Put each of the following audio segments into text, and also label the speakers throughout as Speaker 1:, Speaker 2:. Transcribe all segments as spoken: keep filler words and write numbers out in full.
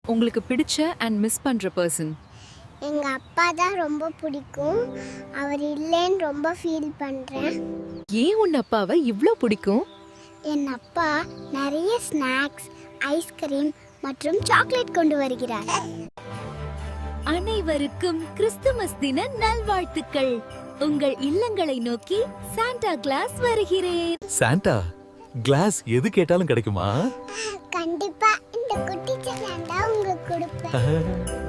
Speaker 1: உங்களுக்கு பிடிச்ச and miss பண்ற பர்சன்?
Speaker 2: எங்க அப்பா தான் ரொம்ப பிடிக்கும். அவர் இல்லைன்னு ரொம்ப ஃபீல் பண்றேன்.
Speaker 1: ஏன் உன் அப்பாவை இவ்ளோ பிடிக்கும்?
Speaker 2: என் அப்பா நிறைய ஸ்நாக்ஸ், ஐஸ்கிரீம் மற்றும் சாக்லேட் கொண்டு வருகிறார்.
Speaker 3: அனைவருக்கும் கிறிஸ்துமஸ் தின நல்வாழ்த்துக்கள். உங்கள் இல்லங்களை நோக்கி சாண்டா கிளாஸ் வருகிறேன்.
Speaker 4: சாண்டா கிளாஸ் எது கேட்டாலும் கிடைக்குமா?
Speaker 2: கண்டிப்பா இந்த குட்டி சாண்டா உங்களுக்கு கொடுப்பேன்.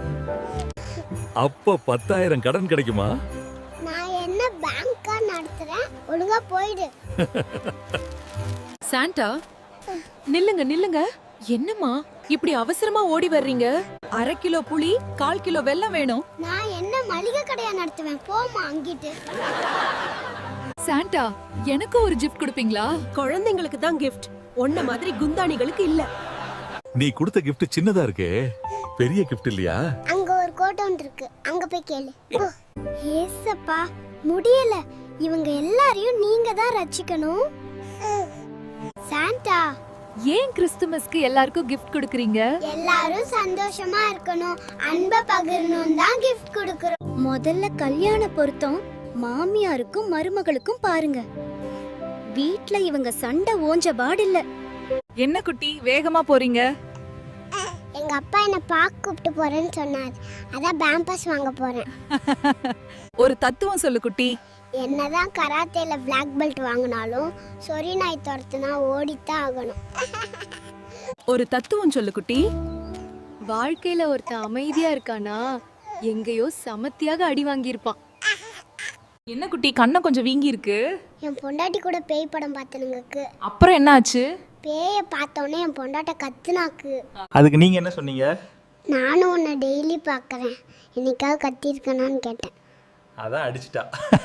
Speaker 4: அப்ப பத்தாயிரம் கடன் கிடைக்குமா?
Speaker 2: நான் என்ன பேங்கா நடத்துறேன், ஒழுங்கா போயிடு.
Speaker 1: சாண்டா, நில்லுங்க நில்லுங்க. என்னம்மா இப்படி அவசரமா ஓடி வர்றீங்க? அரை கிலோ புளி, கால் கிலோ வெல்லம் வேணும்.
Speaker 2: நான் என்ன மளிகை கடையா நடத்துவேன், போமா அங்கிட்டு.
Speaker 1: சாண்டா, எனக்கு ஒரு கிஃப்ட் கொடுப்பீங்களா?
Speaker 5: குழந்தைங்களுக்கு தான் கிஃப்ட், ஒன்ன மாதிரி குந்தாணிகளுக்கு இல்ல.
Speaker 4: நீ கொடுத்த கிஃப்ட் சின்னதா இருக்கே, பெரிய கிஃப்ட் இல்லையா?
Speaker 2: அங்க ஒரு கோட்டம் இருக்கு, அங்க போய் கேளு. ஏசப்பா, முடியல. இவங்க எல்லாரையும் நீங்க தான் ரட்சிக்கணும். சாண்டா,
Speaker 1: ஏன் கிறிஸ்துமஸ்க்கு எல்லாருக்கும் கிஃப்ட் கொடுக்கறீங்க?
Speaker 2: எல்லாரும் சந்தோஷமா இருக்கணும், அன்பை பகிரணும் தான் கிஃப்ட் கொடுக்கறோம்.
Speaker 3: முதல்ல கல்யாண பொருத்தம் மாமியாருக்கும் மருமகளுக்கும் பாருங்க. வீட்ல இவங்க சண்டை ஓஞ்ச பாடில்ல.
Speaker 1: என்ன குட்டி வேகமா போறீங்க?
Speaker 2: எங்க அப்பா என்ன பார்க்க கூப்பிட்டு போறேன்னு சொன்னார், அதான் பேம்பஸ் வாங்க போறேன்.
Speaker 1: ஒரு தத்துவம் சொல்லு குட்டி.
Speaker 2: என்னதான் கராத்தேல பிளாக் பெல்ட் வாங்கினாலும் சொறி நாய் துரத்துனா ஓடித்தான் ஆகணும்.
Speaker 1: ஒரு தத்துவம் சொல்லு குட்டி.
Speaker 6: வாழ்க்கையில ஒருத்தன் அமைதியா இருக்கானா எங்கேயோ சமத்தியாக அடி வாங்கியிருப்பான்.
Speaker 1: என்ன குட்டி கண்ணை கொஞ்சம் வீங்கி இருக்கு?
Speaker 2: என் பொண்டாட்டி கூட பேய் படம் பார்த்தனுங்களுக்கு.
Speaker 1: அப்புறம் என்ன ஆச்சு?
Speaker 2: பேயை பார்த்தோன்னே என் பொண்டாட்ட கத்துனாக்கு.
Speaker 7: அதுக்கு நீங்க என்ன சொன்னீங்க?
Speaker 2: நானும் உன்னை டெய்லி பார்க்குறேன், என்னைக்காவது கத்திருக்கனான்னு கேட்டேன்.
Speaker 7: அதான் அடிச்சிட்டா.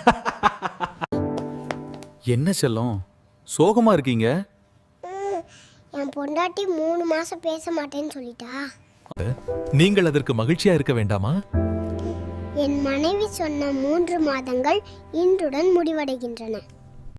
Speaker 4: என்ன செல்லம் சோகமா இருக்கீங்க?
Speaker 2: என் பொண்டாட்டி மூணு மாசம் பேச மாட்டேன்னு சொல்லிட்டா.
Speaker 4: நீங்கள் அதற்கு மகிழ்ச்சியா இருக்க வேண்டாமா?
Speaker 2: என் மனைவி சொன்ன மூன்று மாதங்கள் இன்றுடன் முடிவடைகின்றன.